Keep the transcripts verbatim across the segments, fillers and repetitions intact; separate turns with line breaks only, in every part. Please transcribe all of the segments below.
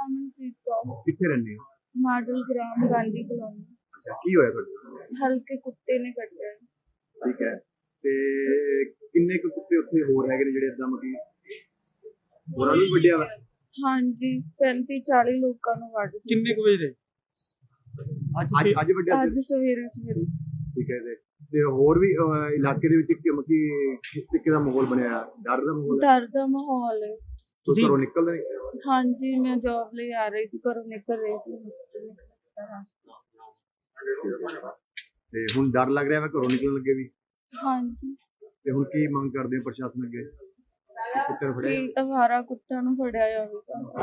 ਅਮਨਪ੍ਰੀਤ ਕੌਰ
ਕਿੱਥੇ ਰਹਿੰਦੇ ਹੋ?
ਮਾਡਲ ਗ੍ਰਾਮ ਗਾਂਧੀ ਕਲੋਨੀ।
ਅੱਛਾ, ਕੀ ਹੋਇਆ ਤੁਹਾਡੇ?
ਹਲਕੇ ਕੁੱਤੇ ਨੇ ਕੱਟਿਆ।
ਠੀਕ ਹੈ, ਤੇ ਕਿੰਨੇ ਕੁ ਕੁੱਤੇ ਉੱਥੇ ਹੋਰ ਹੈਗੇ ਨੇ ਜਿਹੜੇ ਇਦਾਂ ਮਤਲਬ ਹੋਰਾਂ ਨੂੰ ਵੱਢਿਆ ਵਾ?
ਹਾਂਜੀ, ਪੈਂਤੀ ਚਾਲੀ ਲੋਕਾਂ ਨੂੰ ਵੱਢ ਦਿੱਤਾ।
ਕਿੰਨੇ ਕੁ ਵਜੇ ਦੇ?
ਅੱਜ ਅੱਜ ਵੱਢਿਆ
ਅੱਜ ਸਵੇਰੇ ਸਵੇਰੇ।
ਠੀਕ ਹੈ ਤੇ ਤੇ ਹੋਰ ਵੀ ਅਹ, ਇਲਾਕੇ ਦੇ ਵਿੱਚ ਕਿ ਮਤਲਬ ਕਿਸ ਤਰੀਕੇ ਦਾ ਮਾਹੌਲ ਬਣਿਆ? ਡਰ ਦਾ ਮਾਹੌਲ ਹੈ?
ਡਰ ਦਾ ਮਾਹੌਲ ਹੈ।
ਤੁਸੀਂ ਘਰੋਂ ਨਿਕਲਦੇ ਨਹੀਂ?
ਹਾਂਜੀ, ਮੈਂ ਜੌਬ ਲਈ ਆ ਰਹੀ ਸੀ, ਘਰੋਂ ਨਿਕਲ ਰਹੀ ਸੀ।
ਤੇ ਹੁਣ ਡਰ ਲੱਗ ਰਿਹਾ ਵਾ ਘਰੋਂ ਨਿਕਲਣ ਲੱਗੇ ਵੀ?
ਹਾਂਜੀ।
ਤੇ ਹੁਣ ਕੀ ਮੰਗ ਕਰਦੇ ਹੋ ਪ੍ਰਸ਼ਾਸਨ ਅੱਗੇ? ਕੁੱਤੇ ਫੜਿਆ
ਕਿ ਅਵਾਰਾ ਕੁੱਤਿਆਂ ਨੂੰ ਫੜਿਆ ਜਾਵੇ ਸਾਨੂੰ।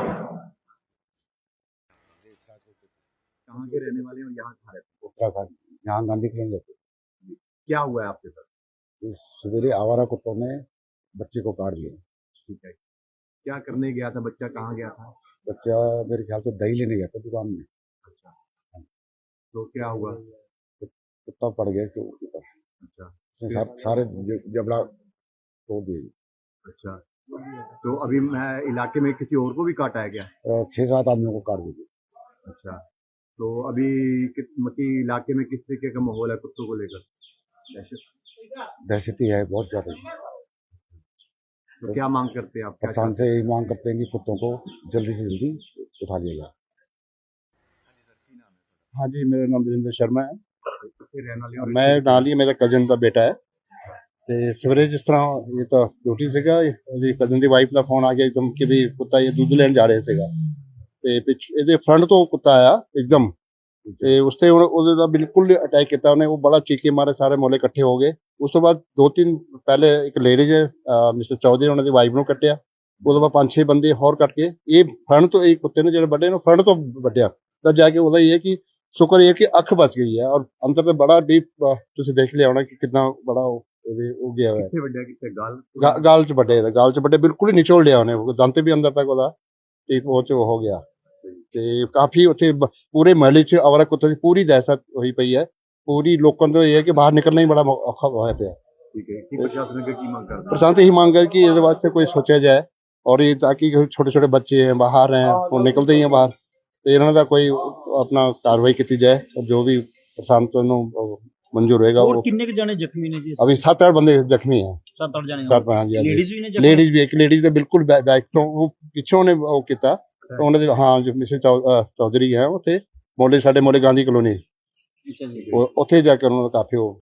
कहाँ के रहने वाले हैं और यहाँ कहाँ रहते हैं?
उत्तराखंड, यहाँ गांधी कॉलोनी रहते हैं।
क्या हुआ है आपके साथ?
इस सवेरे आवारा कुत्तों ने बच्चे को काट लिया।
ठीक है, क्या करने गया था बच्चा? कहाँ गया था
बच्चा? मेरे ख्याल से दही लेने गया था दुकान में।
अच्छा, तो क्या हुआ?
कुत्ता पड़ गया इसके ऊपर।
अच्छा,
उसने सा, सारे ज- जबड़ा तोड़ दिए।
अच्छा, तो अभी मैं इलाके में किसी और को भी काटा है क्या?
अ, छह सात आदमियों को काट दिए।
अच्छा, तो अभी कित- मतलब इलाके में किस तरीके का माहौल है कुत्तों को लेकर? दहशत?
दहशती है बहुत ज्यादा।
तो क्या मांग करते हैं आप? क्या
प्रशासन से यही मांग करते हैं कि कुत्तों को जल्दी से जल्दी उठा लिया जाए।
हाँ जी, मेरा नाम वीरेंद्र शर्मा है।
कितने रहने वाले हैं?
मैं ਨਾਲ ਹੀ ਮੇਰਾ ਕਜ਼ਨ ਦਾ ਬੇਟਾ ਹੈ ਤੇ ਸਵੇਰੇ ਜਿਸ ਤਰ੍ਹਾਂ ਇਹ ਤਾਂ ਡਿਊਟੀ ਸੀਗਾ, ਇਹਦੀ ਕਜ਼ਨ ਦੀ ਵਾਈਫ ਦਾ ਫੋਨ ਆ ਗਿਆ ਇੱਕਦਮ ਕਿ ਵੀ ਕੁੱਤਾ ਇਹ ਦੁੱਧ ਲੈਣ ਜਾ ਰਿਹਾ ਸੀਗਾ ਤੇ ਪਿੱਛ ਇਹਦੇ ਫਰੰਟ ਤੋਂ ਕੁੱਤਾ ਆਇਆ ਇੱਕਦਮ ਤੇ ਉਸ ਤੇ ਹੁਣ ਉਹਦੇ ਦਾ ਬਿਲਕੁਲ ਅਟੈਕ ਕੀਤਾ ਉਹਨੇ। ਉਹ ਬੜਾ ਚੀਕੇ ਮਾਰੇ, ਸਾਰੇ ਮੋਹਲੇ ਇਕੱਠੇ ਹੋ ਗਏ। ਉਸ ਤੋਂ ਬਾਅਦ ਦੋ ਤਿੰਨ ਪਹਿਲੇ ਇੱਕ ਲੇਡੀਜ਼ ਮਿਸਟਰ ਚੌਧਰੀ ਉਹਨਾਂ ਦੀ ਵਾਈਫ ਨੂੰ ਕੱਟਿਆ। ਉਹਦੇ ਬਾਅਦ ਪੰਜ ਛੇ ਬੰਦੇ ਹੋਰ ਕੱਟ ਕੇ ਇਹ ਫਰੰਟ ਤੋਂ ਇਹ ਕੁੱਤੇ ਨੇ ਜਿਹੜੇ ਵੱਡੇ ਨੂੰ ਫਰੰਟ ਤੋਂ ਵੱਢਿਆ। ਤਾਂ ਜਾ ਕੇ ਉਹਦਾ ਇਹ ਹੈ ਕਿ ਸ਼ੁਕਰ ਇਹ ਕਿ ਅੱਖ ਬਚ ਗਈ ਹੈ ਔਰ ਅੰਦਰ ਤੇ ਬੜਾ ਡੀਪ ਤੁਸੀਂ ਦੇਖ ਲਿਆ ਹੋਣਾ ਕਿ ਕਿੰਨਾ ਬੜਾ ਉਹ ਇਹਦੇ ਉਹ ਗਿਆ ਹੋਇਆ।
कितने ਵੱਡਿਆ? ਕਿੱਥੇ ਗਾਲ?
ਗਾ- ਗਾਲ ਚ ਵੱਡੇ ਇਹਦਾ ਗਾਲ ਚ ਵੱਡੇ ਬਿਲਕੁਲ ਹੀ ਨਿਚੋੜ ਲਿਆ ਉਹਨੇ। ਦੰਦ ਵੀ ਅੰਦਰ ਤੱਕ ਉਹਦਾ ਠੀਕ ਉਹ ਚ ਹੋ ਗਿਆ ਤੇ ਕਾਫੀ ਉੱਥੇ ਬ- ਪੂਰੇ ਮਹੱਲੇ ਚ ਅਵਾਰਾ ਕੁੱਤੇ ਦੀ ਪੂਰੀ ਦਹਿਸ਼ਤ ਹੋਈ ਪਈ ਹੈ। ਪੂਰੀ ਲੋਕਾਂ ਦਾ ਇਹ ਹੈ ਕਿ ਬਾਹਰ ਨਿਕਲਣਾ ਹੀ ਬੜਾ ਔ- ਔਖਾ ਹੋਇਆ ਪਿਆ।
ठीक है, की प्रशासन के की मांग करते हैं?
प्रशासन से ही मांग है कि इसके वास्ते कोई सोचा जाए और ये ताकि छोटे छोटे बच्चे हैं बाहर हैं वो निकलते ही हैं बाहर तो इन्होंने का कोई अपना कार्रवाई की जाए और जो भी प्रशासन ਨੂੰ मंजूर होएगा
ਹੋਰ
वो।
ਕਿੰਨੇ ਕੁ ਜਾਣੇ ਜ਼ਖਮੀ ਨੇ ਜੀ?
अभी सात आठ बंदे जख्मी हैं।
ਸੱਤ ਅੱਠ ਜਾਣੇ
सात हाँ जी
ਲੇਡੀਜ਼ ਵੀ ਨੇ ਜ਼ਖਮੀ?
लेडीज भी एक लेडीज ਦੇ ਬਿਲਕੁਲ ਬੈਕ ਤੋਂ ਉਹ ਪਿੱਛੋਂ ਨੇ ਉਹ ਕੀਤਾ ਉਹਨਾਂ ਦੇ ਹਾਂ ਜੋ ਮਿਸਿਸ ਚੌਧਰੀ ਹੈ ਉੱਥੇ ਮੋਲੇ ਸਾਡੇ ਮੋਲੇ ਗਾਂਧੀ ਕਲੋਨੀ
ਅੱਛਾ ਜੀ।
ਉੱਥੇ ਜਾ ਕੇ ਉਹਨਾਂ ਦਾ ਕਾਫੀ ਉਹ